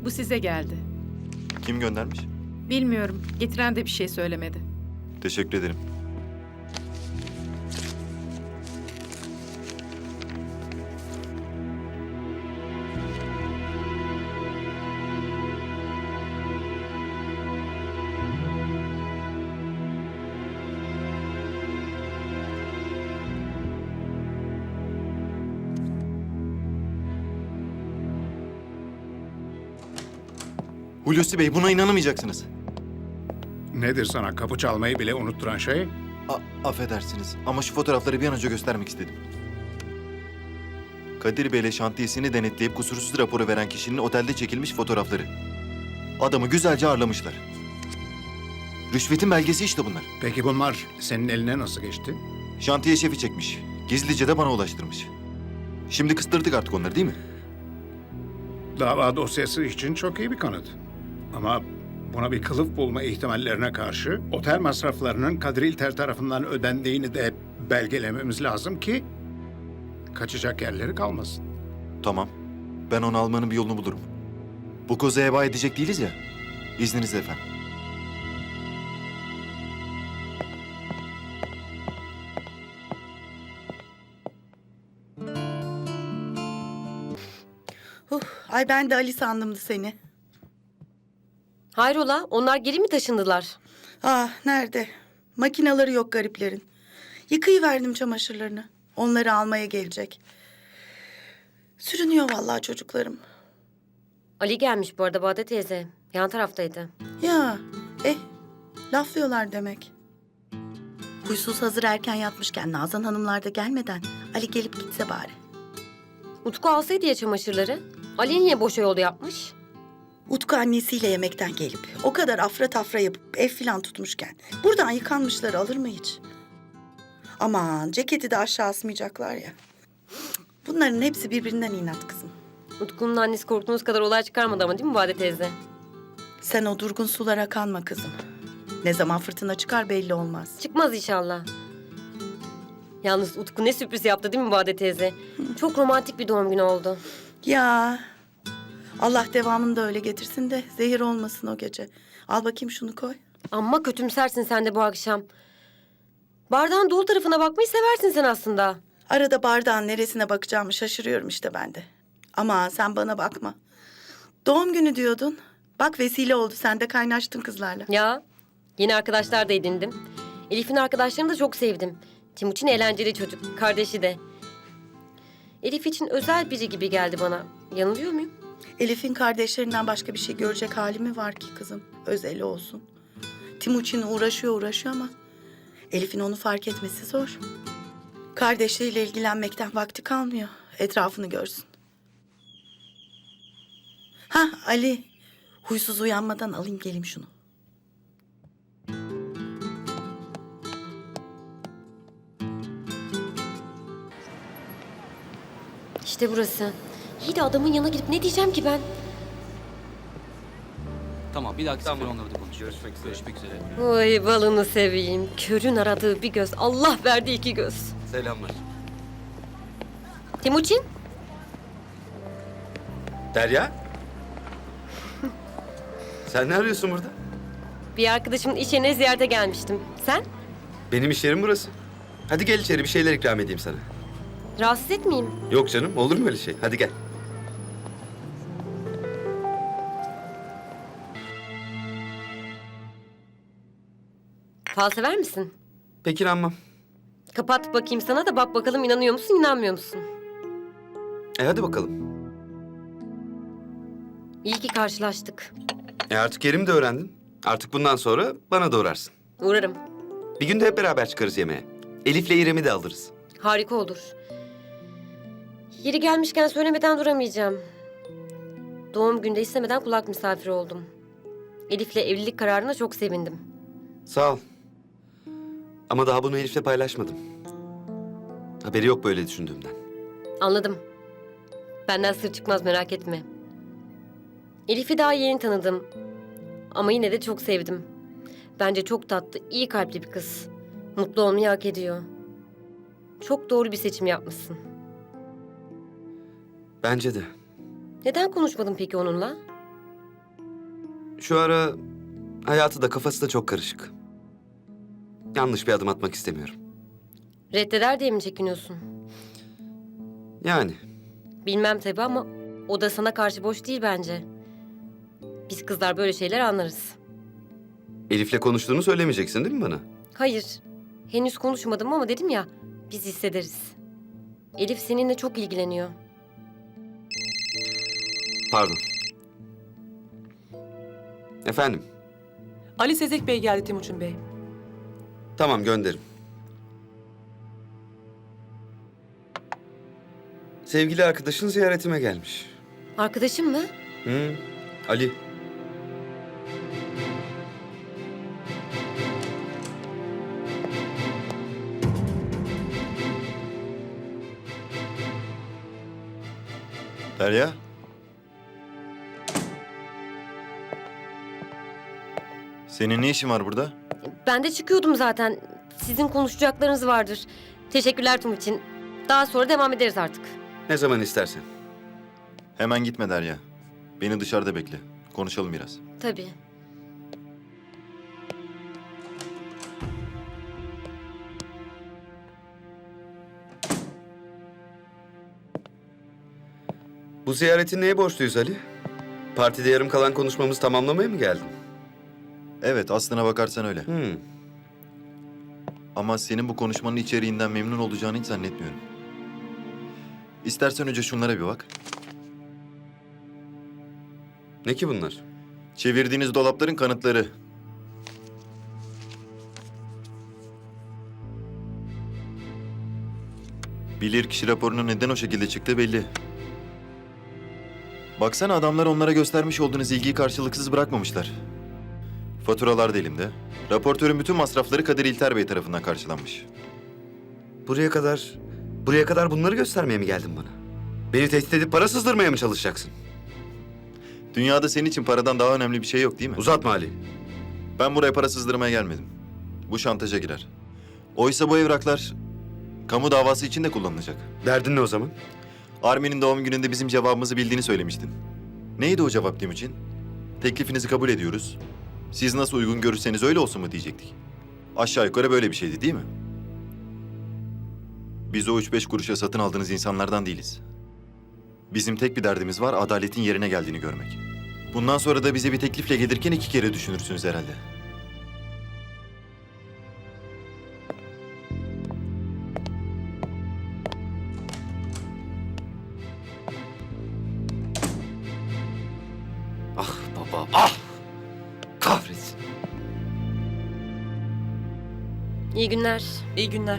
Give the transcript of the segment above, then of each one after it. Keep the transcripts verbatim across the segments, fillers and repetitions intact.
Bu size geldi. Kim göndermiş? Bilmiyorum. Getiren de bir şey söylemedi. Teşekkür ederim. Hulusi Bey, buna inanamayacaksınız. Nedir sana kapı çalmayı bile unutturan şey? A- affedersiniz ama şu fotoğrafları bir an önce göstermek istedim. Kadir Bey'le şantiyesini denetleyip kusursuz raporu veren kişinin otelde çekilmiş fotoğrafları. Adamı güzelce ağırlamışlar. Rüşvetin belgesi işte bunlar. Peki bunlar senin eline nasıl geçti? Şantiye şefi çekmiş. Gizlice de bana ulaştırmış. Şimdi kıstırdık artık onları, değil mi? Dava dosyası için çok iyi bir kanıt. Ama buna bir kılıf bulma ihtimallerine karşı otel masraflarının Kadir İlter tarafından ödendiğini de belgelememiz lazım ki kaçacak yerleri kalmasın. Tamam. Ben onu almanın bir yolunu bulurum. Bu kozu heba edecek değiliz ya. İzninizle efendim. Huh, ay ben de Ali sandımdı seni. Hayrola, onlar geri mi taşındılar? Ah nerede? Makinaları yok gariplerin. Yıkayıverdim çamaşırlarını. Onları almaya gelecek. Sürünüyor vallahi çocuklarım. Ali gelmiş bu arada Bade teyze. Yan taraftaydı. Ya eh laflıyorlar demek. Huysuz hazır erken yatmışken Nazan hanımlar da gelmeden Ali gelip gitse bari. Utku alsaydı ya çamaşırları. Ali niye boşa yol yapmış? Utku annesiyle yemekten gelip o kadar afra tafra yapıp ev filan tutmuşken buradan yıkanmışları alır mı hiç? Aman ceketi de aşağı asmayacaklar ya. Bunların hepsi birbirinden inat kızım. Utku'nun annesi korktuğunuz kadar olay çıkarmadı ama değil mi Bade teyze? Sen o durgun sulara kanma kızım. Ne zaman fırtına çıkar belli olmaz. Çıkmaz inşallah. Yalnız Utku ne sürpriz yaptı değil mi Bade teyze? Çok romantik bir doğum günü oldu. Ya Allah devamını da öyle getirsin de zehir olmasın o gece. Al bakayım şunu koy. Amma kötümsersin sen de bu akşam. Bardağın dolu tarafına bakmayı seversin sen aslında. Arada bardağın neresine bakacağımı şaşırıyorum işte ben de. Ama sen bana bakma. Doğum günü diyordun. Bak vesile oldu sen de kaynaştın kızlarla. Ya yeni arkadaşlar da edindim. Elif'in arkadaşlarını da çok sevdim. Timuçin eğlenceli çocuk, kardeşi de. Elif için özel biri gibi geldi bana. Yanılıyor muyum? Elif'in kardeşlerinden başka bir şey görecek hali mi var ki kızım? Özeli olsun. Timuçin uğraşıyor uğraşıyor ama Elif'in onu fark etmesi zor. Kardeşleriyle ilgilenmekten vakti kalmıyor. Etrafını görsün. Ha Ali, huysuz uyanmadan alayım geleyim şunu. İşte burası. İyi de adamın yanına gidip ne diyeceğim ki ben? Tamam, bir dahaki sefer onları da konuşuruz. Görüşmek üzere. Görüşmek üzere. Oy balını seveyim. Körün aradığı bir göz. Allah verdi iki göz. Selamlar. Timuçin? Derya? Sen ne arıyorsun burada? Bir arkadaşımın iş yerine ziyarete gelmiştim. Sen? Benim iş yerim burası. Hadi gel içeri bir şeyler ikram edeyim sana. Rahatsız etmeyeyim. Yok canım olur mu öyle şey? Hadi gel. Fal sever misin? Peki inanmam. Kapat bakayım sana da bak bakalım inanıyor musun, inanmıyor musun? E hadi bakalım. İyi ki karşılaştık. E artık yerimi de öğrendin. Artık bundan sonra bana da uğrarsın. Uğrarım. Bir gün de hep beraber çıkarız yemeğe. Elif'le İrem'i de alırız. Harika olur. Yeri gelmişken söylemeden duramayacağım. Doğum günde istemeden kulak misafiri oldum. Elif'le evlilik kararına çok sevindim. Sağ ol. Ama daha bunu Elif'le paylaşmadım. Haberi yok böyle düşündüğümden. Anladım. Benden sır çıkmaz merak etme. Elif'i daha yeni tanıdım. Ama yine de çok sevdim. Bence çok tatlı, iyi kalpli bir kız. Mutlu olmayı hak ediyor. Çok doğru bir seçim yapmışsın. Bence de. Neden konuşmadın peki onunla? Şu ara hayatı da kafası da çok karışık. Yanlış bir adım atmak istemiyorum. Reddeder diye mi çekiniyorsun? Yani Bilmem tabii ama o da sana karşı boş değil bence. Biz kızlar böyle şeyler anlarız. Elif'le konuştuğunu söylemeyeceksin değil mi bana? Hayır, henüz konuşmadım ama dedim ya, biz hissederiz. Elif seninle çok ilgileniyor. Pardon. Efendim? Ali Sezek Bey geldi Timuçin Bey. Tamam gönderim. Sevgili arkadaşın ziyaretime gelmiş. Arkadaşım mı? Hı, Ali. Derya? Senin ne işin var burada? Ben de çıkıyordum zaten. Sizin konuşacaklarınız vardır. Teşekkürler Tum için. Daha sonra devam ederiz artık. Ne zaman istersen. Hemen gitme Derya. Beni dışarıda bekle. Konuşalım biraz. Tabii. Bu ziyaretin neye borçluyuz Ali? Partide yarım kalan konuşmamızı tamamlamaya mı geldin? Evet, aslına bakarsan öyle. Hı. Ama senin bu konuşmanın içeriğinden memnun olacağını hiç zannetmiyorum. İstersen önce şunlara bir bak. Ne ki bunlar? Çevirdiğiniz dolapların kanıtları. Bilirkişi raporunun neden o şekilde çıktığı belli. Baksana adamlar onlara göstermiş olduğunuz ilgiyi karşılıksız bırakmamışlar. Faturalar da elimde. Raportörün bütün masrafları Kadir İlter Bey tarafından karşılanmış. Buraya kadar, buraya kadar bunları göstermeye mi geldin bana? Beni tehdit edip para sızdırmaya mı çalışacaksın? Dünyada senin için paradan daha önemli bir şey yok değil mi? Uzatma Ali. Ben buraya para sızdırmaya gelmedim. Bu şantaja girer. Oysa bu evraklar kamu davası için de kullanılacak. Derdin ne o zaman? Armin'in doğum gününde bizim cevabımızı bildiğini söylemiştin. Neydi o cevap Timuçin? Teklifinizi kabul ediyoruz. Siz nasıl uygun görürseniz öyle olsun mu diyecektik. Aşağı yukarı böyle bir şeydi değil mi? Biz o üç beş kuruşa satın aldığınız insanlardan değiliz. Bizim tek bir derdimiz var, adaletin yerine geldiğini görmek. Bundan sonra da bize bir teklifle gelirken iki kere düşünürsünüz herhalde. Ah baba, ah! Kahretsin. İyi günler. İyi günler.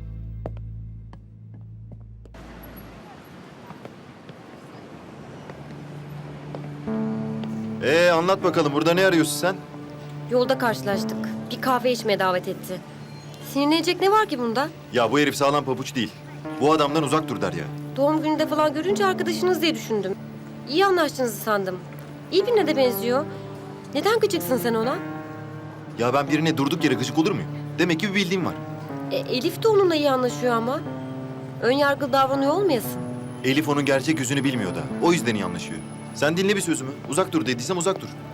Ee anlat bakalım, burada ne arıyorsun sen? Yolda karşılaştık. Bir kahve içmeye davet etti. Sinirlenecek ne var ki bunda? Ya bu herif sağlam pabuç değil. Bu adamdan uzak dur Derya. Doğum gününde falan görünce arkadaşınız diye düşündüm. İyi anlaştığınızı sandım. İyi birine de benziyor. Neden gıcıksın sen ona? Ya ben birine durduk yere gıcık olur muyum? Demek ki bir bildiğim var. E, Elif de onunla iyi anlaşıyor ama. Ön yargılı davranıyor olmayasın. Elif onun gerçek yüzünü bilmiyor da. O yüzden iyi anlaşıyor. Sen dinle bir sözümü. Uzak dur dediysem uzak dur.